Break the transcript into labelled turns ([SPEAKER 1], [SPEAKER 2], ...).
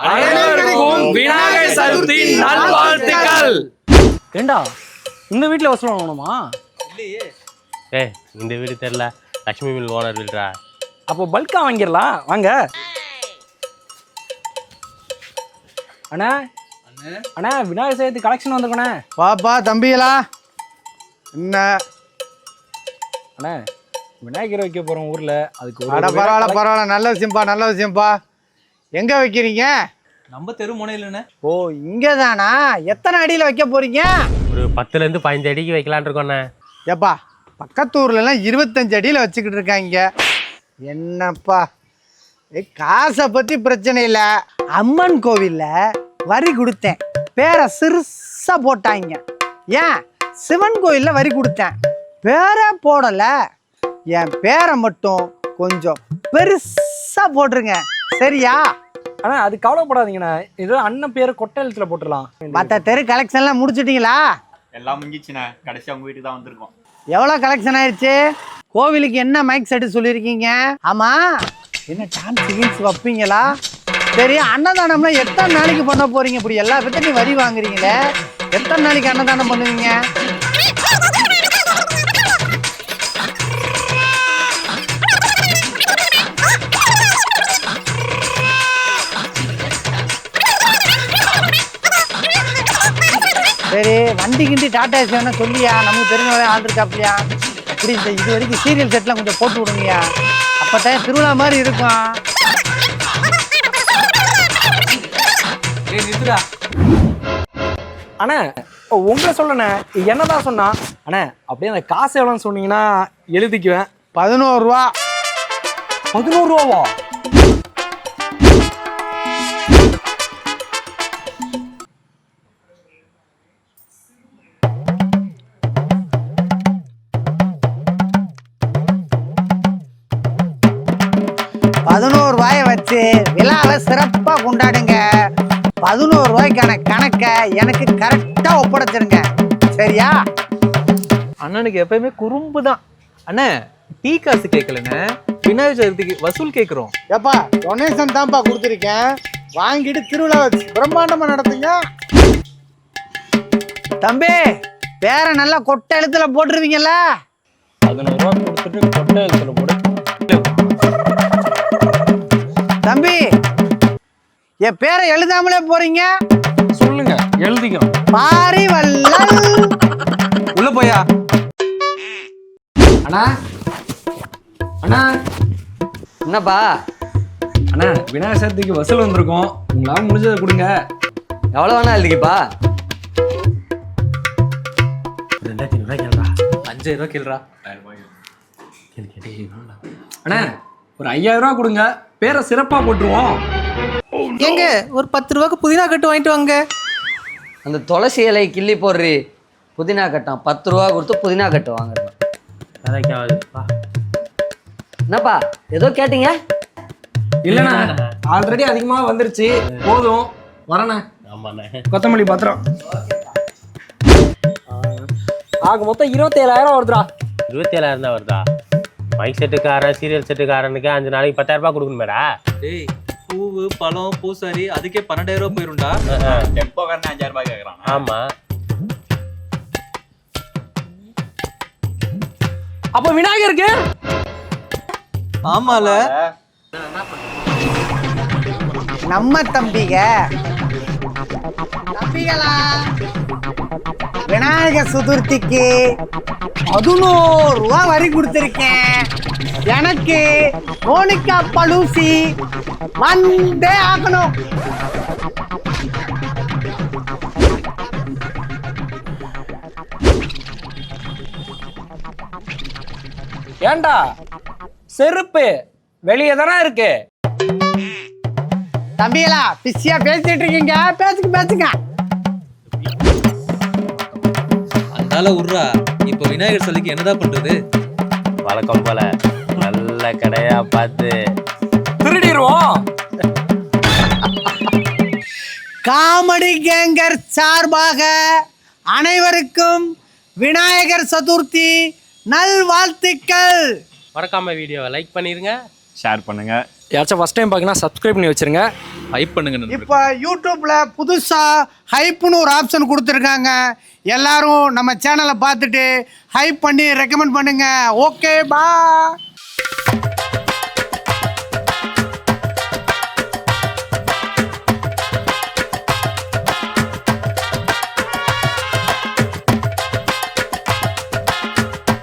[SPEAKER 1] அனைவருக்கும் விநாயகர் சதுர்த்தி நல்வாழ்த்துக்கள்.
[SPEAKER 2] ஏண்டா இந்த வீட்டில் வசூல் வாங்கணுமா?
[SPEAKER 3] இல்லையே.
[SPEAKER 4] இந்த வீடு தெரியல, லட்சுமி மில் ஓனர் வீடுறா.
[SPEAKER 2] அப்போ பல்கா வாங்கிடலாம் வாங்க. அண்ணா அண்ணா விநாயகர் சதுர்த்தி கலெக்ஷன் வந்துருக்கண்ணே.
[SPEAKER 5] வாப்பா தம்பிகளா. என்ன
[SPEAKER 2] அண்ணா விநாயகர் வைக்க போகிறோம் ஊரில், அதுக்கு
[SPEAKER 5] பரவாயில்ல நல்ல விஷயம்ப்பா. எங்கே வைக்கிறீங்க?
[SPEAKER 3] நம்ம தெரு முனையிலண்ணே.
[SPEAKER 5] ஓ இங்கே தானா? எத்தனை அடியில் வைக்க போறீங்க?
[SPEAKER 4] ஒரு 10லேருந்து 15 அடிக்கு வைக்கலான் இருக்கோண்ணே.
[SPEAKER 5] ஏப்பா பக்கத்தூர்லலாம் 25 அடியில் வச்சுக்கிட்டு இருக்காங்க. என்னப்பா காசை பற்றி பிரச்சனை இல்லை. அம்மன் கோவிலில் வரி கொடுத்தேன், பேரை சிறுசாக போட்டாங்க. ஏன் சிவன் கோயிலில் வரி கொடுத்தேன், பேரை போடலை. என் பேரை மட்டும் கொஞ்சம் பெருசாக போட்டுருங்க, சரியா?
[SPEAKER 2] அண்ணா அது கவலைப்படாதீங்கண்ணா, ஏதோ அண்ணன் பேரை கொட்டை எழுத்துல போட்டுடலாம்.
[SPEAKER 5] மற்ற தெரு கலெக்ஷன்லாம் முடிச்சிட்டிங்களா?
[SPEAKER 6] எல்லாம் முடிஞ்சிச்சுண்ணே. கடைசி அவங்க வீட்டுக்கு தான் வந்திருக்கோம்.
[SPEAKER 5] எவ்வளோ கலெக்ஷன் ஆயிடுச்சு? கோவிலுக்கு என்ன மைக் செட்டு சொல்லியிருக்கீங்க? ஆமாம், என்ன டான்ஸ் கீன்ஸ் வைப்பீங்களா? சரி, அன்னதானம்லாம் எத்தனை நாளைக்கு பண்ண போறீங்க? இப்படி எல்லா பேர்த்தையும் வரி வாங்குறீங்களே, எத்தனை நாளைக்கு அன்னதானம் பண்ணுவீங்க? சரி, வண்டி கிண்டி டாடா ஏசி வேணா சொல்லியா, நமக்கு தெரிஞ்ச ஆள் இருக்காப்லையா? இப்படி இந்த இது வரைக்கும் சீரியல் செட்லாம் கொஞ்சம் போட்டு விடுங்கயா, அப்பதான் திருவிழா மாதிரி இருக்கும்.
[SPEAKER 2] அண்ணா உங்களை சொல்லண்ணே, என்னதான் சொன்னா அண்ணா? அப்படியே அந்த காசு எவ்வளோன்னு சொன்னீங்கன்னா எழுதிக்குவேன்.
[SPEAKER 5] 11 ரூபா.
[SPEAKER 2] 11 ரூபாவா?
[SPEAKER 5] ரூபாயை வச்சு விழாவை சிறப்பா கொண்டாடுங்க. 11 ரூபாய்க்கான கணக்கை எனக்கு கரெக்டா ஒப்படைச்சிருங்க, சரியா?
[SPEAKER 3] அண்ணனுக்கு எப்பயுமே குறும்பு தான். அண்ணே டீ காசு கேட்கலண்ணே, விநாயகர் சதுர்த்திக்கு வசூல் கேட்குறோம்.
[SPEAKER 5] ஏப்பா டொனேஷன் தான்ப்பா கொடுத்துருக்கேன், வாங்கிட்டு திருவிழா பிரம்மாண்டமா நடத்துங்க. தம்பி பேரை நல்லா கொட்டை எழுத்துல போட்டுருவீங்கல்ல?
[SPEAKER 2] 11 ரூபா கொடுத்துட்டு கொட்டை எழுத்துல போடு.
[SPEAKER 5] தம்பி என் பேரை எழுதாமலே போறீங்க,
[SPEAKER 2] சொல்லுங்க எழுதிக்கிறோம்.
[SPEAKER 5] பாரி வள்ளல்.
[SPEAKER 3] உள்ள போயா.
[SPEAKER 2] அண்ணா அண்ணா
[SPEAKER 7] என்னப்பா?
[SPEAKER 2] அண்ணா விநாயகர் சதுர்த்திக்கு வசூல் வந்திருக்கோம், உங்களால முடிஞ்சதை கொடுங்க.
[SPEAKER 7] எவ்வளோ வேணா எழுதிக்கப்பா.
[SPEAKER 4] 2500 ரூபாய் கேள்றா.
[SPEAKER 3] 5000 ரூபா கேள்றா.
[SPEAKER 2] அண்ணா ஒரு 5000 ரூபா கொடுங்க, பேரை சிறப்பா போட்டுருவோம்.
[SPEAKER 3] எங்க ஒரு 10 ரூபாய்க்கு புதினா கட்டு வாங்கிட்டு வாங்க.
[SPEAKER 7] அந்த துளசி இலை கிள்ளி போடுறி, புதினா கட்டம் 10 ரூபா கொடுத்து புதினா கட்டு வாங்குறோம். என்னப்பா ஏதோ கேட்டீங்க?
[SPEAKER 2] இல்லண்ணா ஆல்ரெடி அதிகமாக வந்துருச்சு, போதும் வரண்ணே.
[SPEAKER 4] ஆமாண்ணே.
[SPEAKER 2] கொத்தமல்லி பாத்திரம் ஆக மொத்தம் 27,000 வருதுடா.
[SPEAKER 4] 27,000 தான் வருதா? மைக் செட்டுக்காரன் சீரியல் செட்டுக்காரனுக்கு 5 நாளைக்கு 10,000 ரூபாய் கொடுக்கணுமேடா.
[SPEAKER 3] டேய் பூவு பழம் பூசாரி அதுக்கே 12,000 ரூபா போயிரும்டா.
[SPEAKER 6] டெம்போ காரன் 5000 ரூபாய் கேட்கறான்.
[SPEAKER 4] ஆமா,
[SPEAKER 2] அப்ப விநாயகருக்கு
[SPEAKER 3] ஆமால
[SPEAKER 5] நம்ம தம்பிகளா, விநாயகர் சதுர்த்திக்கு 11 ரூபா வரி கொடுத்திருக்கேன். எனக்கு மோனிகா பலூசி வந்தே ஆகணும்.
[SPEAKER 2] ஏண்டா செருப்பு வெளியே தானே இருக்கு.
[SPEAKER 5] தம்பிகளா பிஸியா பேசிட்டு இருக்கீங்க, பேசுங்க.
[SPEAKER 3] அதனால உர்றா. இப்ப விநாயகர் சதுர்த்திக்கு என்னதான் பண்றது?
[SPEAKER 4] வழக்கம் போல நல்ல கடையா பார்த்து
[SPEAKER 2] திருடிடுவோம்.
[SPEAKER 5] காமெடி கேங்கர் சார்பாக அனைவருக்கும் விநாயகர் சதுர்த்தி நல்வாழ்த்துக்கள்.
[SPEAKER 4] மறக்காம வீடியோவை லைக் பண்ணிருங்க,
[SPEAKER 6] ஷேர் பண்ணுங்க,
[SPEAKER 2] யாராச்சும் ஃபஸ்ட் டைம் பார்க்கணும் சப்ஸ்கிரைப் பண்ணி வச்சுருங்க.
[SPEAKER 1] ஹைப் பண்ணுங்க நண்பர்களே.
[SPEAKER 5] இப்போ யூடியூப்ல புதுசா ஹைப்னு ஒரு ஆப்ஷன் கொடுத்துருக்காங்க. எல்லாரும் நம்ம சேனலை பார்த்துட்டு ஹைப் பண்ணி ரெக்கமெண்ட் பண்ணுங்க. ஓகே, பா.